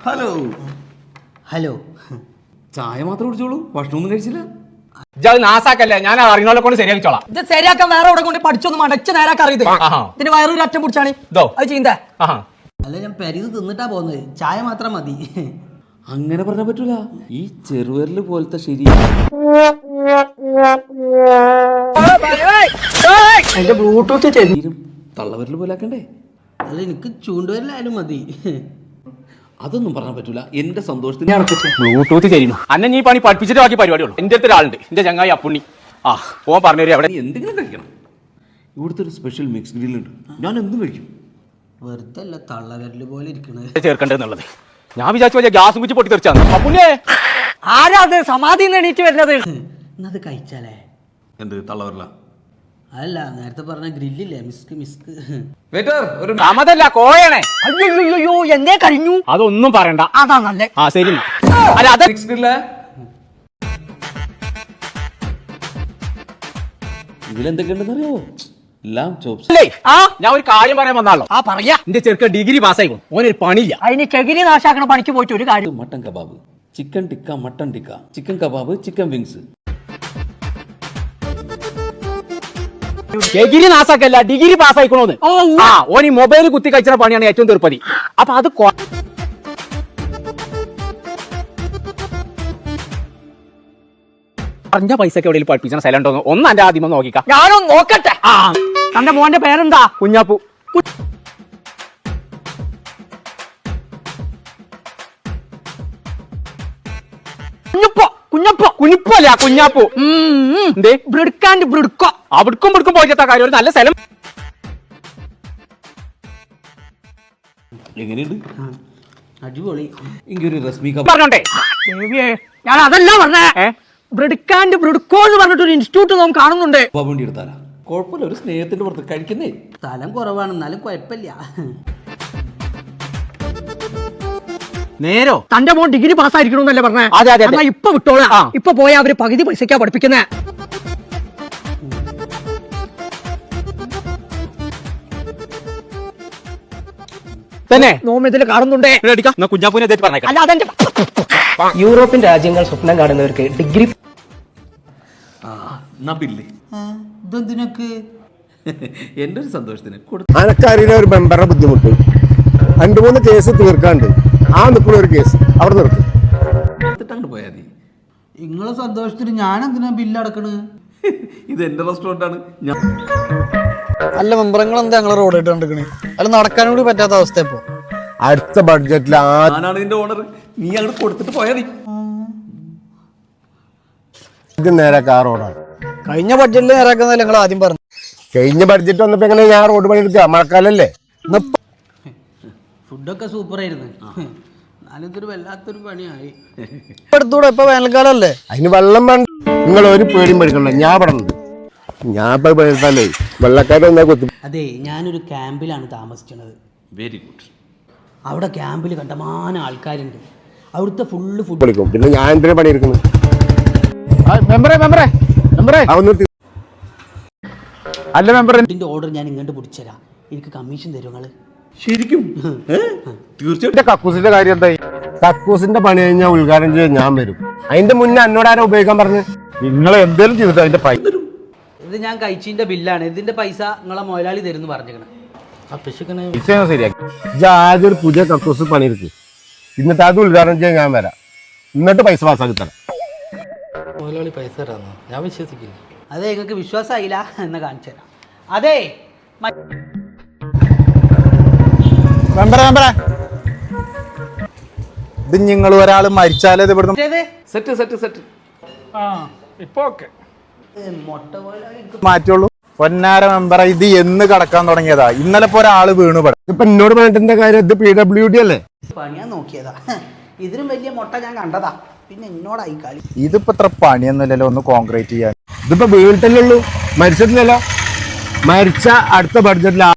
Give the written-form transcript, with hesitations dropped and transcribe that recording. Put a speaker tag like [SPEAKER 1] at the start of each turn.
[SPEAKER 1] Hello
[SPEAKER 2] hello.
[SPEAKER 1] ചായ മാത്രം കുടിച്ചോളൂ, ഭക്ഷണമൊന്നും കഴിച്ചില്ല.
[SPEAKER 3] നാസാക്കല്ലേ, ഞാൻ അറിയുന്നവരെ കൊണ്ട് ശരിയാക്കിച്ചോളാം.
[SPEAKER 2] ഇത് ശരിയാക്കാൻ വേറെ അവിടെ കൊണ്ട് പഠിച്ചൊന്നും മടച്ച് നേരാക്കാൻ അറിയത്. ഇതിന് വയറൊരു അറ്റം പിടിച്ചാണ് അത് ചെയ്യുന്നേ. അല്ല, ഞാൻ പെരിത് തിന്നിട്ടാ പോകുന്നത്. ചായ മാത്രം മതി.
[SPEAKER 1] അങ്ങനെ പറഞ്ഞാൽ പറ്റൂല. ഈ ചെറുവരല് പോലത്തെ ശരി
[SPEAKER 2] എന്റെ ബ്ലൂടൂത്ത്
[SPEAKER 1] തള്ളവരല് പോലെ ആക്കണ്ടേ?
[SPEAKER 2] അല്ല, എനിക്ക് ചൂണ്ടുവരലായാലും മതി.
[SPEAKER 1] അതൊന്നും പറഞ്ഞാൽ പറ്റൂല. എന്റെ സന്തോഷത്തിന്
[SPEAKER 3] ബ്ലൂടൂത്ത് ചെയ്യുന്നു. അന്നെ നീ പണി പഠിപ്പിച്ചിട്ട് ബാക്കി പരിപാടിയുള്ളൂ. എന്റെ അടുത്ത് ഒരാളുണ്ട്, എന്റെ ചങ്ങായി അപ്പുണ്ണി. പോവാൻ പറഞ്ഞു അവിടെ
[SPEAKER 1] എന്തെങ്കിലും കഴിക്കണം. ഇവിടുത്തെ ഒരു സ്പെഷ്യൽ മിക്സ് ഗ്രില്ലുണ്ട്, ഞാൻ എന്തും കഴിക്കും.
[SPEAKER 2] വെറുതെ അല്ല തള്ളവരല് പോലെ ഇരിക്കണത്
[SPEAKER 3] ചേർക്കേണ്ടതെന്നുള്ളത്. ഞാൻ വിചാരിച്ചു ഗ്യാസും കുറ്റി പൊട്ടി തെറിച്ചാണ്. അപ്പുണ്ണിയെ ആരാ അത് സമാധി എണീറ്റ് വരുന്നത്?
[SPEAKER 2] എന്നത് കഴിച്ചാലേ
[SPEAKER 1] എന്ത് തള്ളവരല?
[SPEAKER 2] അല്ല, നേരത്തെ പറഞ്ഞ ഗ്രില്ലില്ലേ, മിസ്ക്.
[SPEAKER 3] സമതല്ല, കോഴയാണേ.
[SPEAKER 2] അയ്യോ എന്തേ കഴിഞ്ഞു?
[SPEAKER 3] അതൊന്നും പറയണ്ട.
[SPEAKER 2] അതാ നല്ല.
[SPEAKER 3] ശരി. അല്ല, അത്
[SPEAKER 1] മിക്സ് ഗ്രില്ല ഇതിലെന്തൊക്കെയുണ്ടെന്ന് അറിയോ? എല്ലാം ചോപ്സ്.
[SPEAKER 3] ഞാൻ ഒരു കാര്യം പറയാൻ വന്നാലോ.
[SPEAKER 2] പറയാ.
[SPEAKER 3] എന്റെ ചെറുക്ക ഡിഗ്രി പാസ്സായിക്കും, ഓനൊരു പണിയില്ല.
[SPEAKER 2] അതിന് ചകിരി നാശാക്കണ പണിക്ക് പോയിട്ട് ഒരു കാര്യം.
[SPEAKER 1] Mutton kebab, chicken tikka, mutton tikka, chicken kebab, chicken wings.
[SPEAKER 3] Degree നാസാക്കല്ല, ഡിഗ്രി പാസ്സായിക്കണോന്ന്. ഓൻ ഈ മൊബൈൽ കുത്തി കഴിച്ച പണിയാണ് ഏറ്റവും തീർപ്പതി. അപ്പൊ അത് പറഞ്ഞ പൈസക്ക് എവിടെയും പഠിപ്പിച്ച സ്ഥലം ഉണ്ടോ ഒന്ന് എന്റെ ആദ്യം നോക്കിക്കാം.
[SPEAKER 2] ഞാനൊന്ന് നോക്കട്ടെ. തന്റെ മോന്റെ പേരെന്താ?
[SPEAKER 3] കുഞ്ഞാപ്പു. കുഞ്ഞിപ്പല്ല, കുഞ്ഞാപ്പു. അവിടുക്കും പിടുക്കും പോയിട്ടാ കാര്യം. ഒരു നല്ല സ്ഥലം.
[SPEAKER 1] എങ്ങനെയുണ്ട്?
[SPEAKER 2] അടിപൊളി.
[SPEAKER 1] എനിക്കൊരു രശ്മി
[SPEAKER 3] പറഞ്ഞോട്ടെ.
[SPEAKER 2] ഞാൻ അതല്ല പറഞ്ഞേ. ബ്രിഡ്കോ എന്ന് പറഞ്ഞിട്ടൊരു ഇൻസ്റ്റിറ്റ്യൂട്ട് നാം കാണുന്നുണ്ട്.
[SPEAKER 1] വേണ്ടി എടുത്താലാ കുഴപ്പമില്ല, ഒരു സ്നേഹത്തിന്റെ പുറത്ത് കഴിക്കുന്നേ.
[SPEAKER 2] സ്ഥലം കുറവാണ്, എന്നാലും കുഴപ്പമില്ല.
[SPEAKER 3] നേരോ
[SPEAKER 2] തന്റെ മോൻ ഡിഗ്രി പാസ്സായിരിക്കണമെന്നല്ലേ പറഞ്ഞേ?
[SPEAKER 3] അതെ.
[SPEAKER 2] എന്നാ ഇപ്പൊ വിട്ടോളാം. ഇപ്പൊ പോയാ അവര് പകുതി പൈസക്കാ പഠിപ്പിക്കുന്നേ.
[SPEAKER 3] തന്നെ
[SPEAKER 2] നോമിതിൽ കാണുന്നുണ്ടേ.
[SPEAKER 3] കുഞ്ഞാപ്പൂനെ പറഞ്ഞേക്കാം.
[SPEAKER 2] അല്ല, അതെന്റെ
[SPEAKER 4] യൂറോപ്യൻ രാജ്യങ്ങൾ സ്വപ്നം കാണുന്നവർക്ക് ഡിഗ്രി
[SPEAKER 2] ഇതെന്തിനൊക്കെ
[SPEAKER 1] എന്റെ ഒരു സന്തോഷത്തിന്
[SPEAKER 5] അനക്കറിയില്ല ഒരു മെമ്പറുടെ ബുദ്ധിമുട്ട്. 2-3 കേസ് തീർക്കാണ്ട് നിൽക്കുന്ന ഒരു കേസ് അവിടെ നിർത്തി
[SPEAKER 1] പോയാൽ മതി.
[SPEAKER 2] നിങ്ങളെ സന്തോഷത്തിന് ഞാൻ എന്തിനാ ബില്ല് അടക്കണ്?
[SPEAKER 1] ഇത് എന്റെ റെസ്റ്റോറന്റ് ആണ്.
[SPEAKER 6] അല്ല മെമ്പറങ്ങൾ എന്താ ഞങ്ങളെ റോഡ് ഇട്ട് കണ്ടിക്കണേ? അല്ല നടക്കാൻ കൂടി പറ്റാത്ത അവസ്ഥ. ഇപ്പൊ
[SPEAKER 5] അടുത്ത ബഡ്ജറ്റിൽ
[SPEAKER 1] ഞാനാണ് ഇതിന്റെ ഓണർ. നീ അങ്ങോട്ട് കൊടുത്തിട്ട് പോയാൽ മതി.
[SPEAKER 5] ഇത് നേരാക്ക ആ റോഡാണ്.
[SPEAKER 6] കഴിഞ്ഞ ബഡ്ജറ്റിൽ നേരാക്കുന്നതല്ല നിങ്ങൾ ആദ്യം പറഞ്ഞു.
[SPEAKER 5] കഴിഞ്ഞ ബഡ്ജറ്റ് വന്നപ്പോ എങ്ങനെ ഞാൻ റോഡ് പണി എടുക്കുക? മഴക്കാലല്ലേ?
[SPEAKER 2] ഫുഡൊക്കെ സൂപ്പർ ആയിരുന്നു. എന്നാലും ഇതൊരു വല്ലാത്തൊരു പണിയായി.
[SPEAKER 6] എടുത്തൂടെ? ഇപ്പൊ വേനൽക്കാലം അല്ലേ?
[SPEAKER 5] അതിന് വെള്ളം വേണ്ട. നിങ്ങൾ ഒരു പേടിയും പഠിക്കണ്ട, ഞാൻ പറഞ്ഞത്. ഞാൻ ഇപ്പൊ പേടിച്ചാലേ വെള്ളക്കാരൊന്നാ കൊത്തി.
[SPEAKER 2] അതെ, ഞാനൊരു ക്യാമ്പിലാണ് താമസിക്കുന്നത്.
[SPEAKER 1] Very good.
[SPEAKER 2] അവിടെ ക്യാമ്പിൽ കണ്ടമാനം ആൾക്കാരുണ്ട്. അവിടുത്തെ ഫുഡ്
[SPEAKER 5] വിളിക്കും. പിന്നെ ഞാൻ എന്തിനാ പണിയെടുക്കുന്നത്?
[SPEAKER 3] അല്ല മെമ്പർ,
[SPEAKER 2] ഇതിന്റെ ഓർഡർ ഞാൻ ഇങ്ങോട്ട് പിടിച്ചുതരാം. എനിക്ക് കമ്മീഷൻ തരും നിങ്ങള്.
[SPEAKER 1] ശരിക്കും?
[SPEAKER 5] തീർച്ചയായിട്ടും. കക്കൂസിന്റെ കാര്യം എന്തായി? കക്കൂസിന്റെ പണി കഴിഞ്ഞാൽ ഉദ്ഘാടനം ചെയ്യാൻ ഞാൻ വരും. അതിന്റെ മുന്നേ എന്നോട് ആരാ ഉപയോഗിക്കാൻ പറഞ്ഞു? നിങ്ങൾ എന്തേലും ചെയ്തിട്ട് അതിന്റെ പൈസ.
[SPEAKER 2] ഇത് ഞാൻ കഴിച്ചതിന്റെ ബില്ലാണ്. ഇതിന്റെ പൈസ നിങ്ങളെ മുതലാളി തരുന്നു പറഞ്ഞിരിക്കണം.
[SPEAKER 5] ആദ്യം ഒരു പുതിയ കക്കൂസ് പണിയെടുക്കും, എന്നിട്ട് അത് ഉദ്ഘാടനം ചെയ്യാൻ ഞാൻ വരാം. എന്നിട്ട് പൈസ പാസ്സാക്കി തരാം.
[SPEAKER 6] മുതലാളി പൈസ തരാന്നോ? ഞാൻ വിശ്വസിക്കില്ല.
[SPEAKER 2] അതെ, നിങ്ങൾക്ക് വിശ്വാസമായില്ല എന്ന് കാണിച്ചു തരാം. അതെ
[SPEAKER 6] ഇത് നിങ്ങൾ ഒരാൾ മരിച്ചാലേ ഇത് ഇവിടുന്ന്
[SPEAKER 1] സെറ്റ്
[SPEAKER 6] മാറ്റുള്ളൂ. പൊന്നാര മെമ്പറ, ഇത് എന്ന് കടക്കാൻ തുടങ്ങിയതാ? ഇന്നലെ ഇപ്പൊ ഒരാള് വീണു.
[SPEAKER 5] ഇപ്പൊ എന്നോട് പറഞ്ഞിട്ട് കാര്യം? ഇത് PWD അല്ലേ?
[SPEAKER 2] പണിയാൻ നോക്കിയതാ. ഇതിനും വലിയ മുട്ട ഞാൻ കണ്ടതാ. പിന്നെ എന്നോടായി കളി.
[SPEAKER 6] ഇതിപ്പോ ഇത്ര പണിയൊന്നുമില്ലല്ലോ ഒന്ന് കോൺക്രീറ്റ് ചെയ്യാൻ.
[SPEAKER 5] ഇതിപ്പോ വീണിട്ടല്ലേ ഉള്ളൂ, മരിച്ചിട്ടില്ലല്ലോ. മരിച്ച അടുത്ത ബഡ്ജറ്റിൽ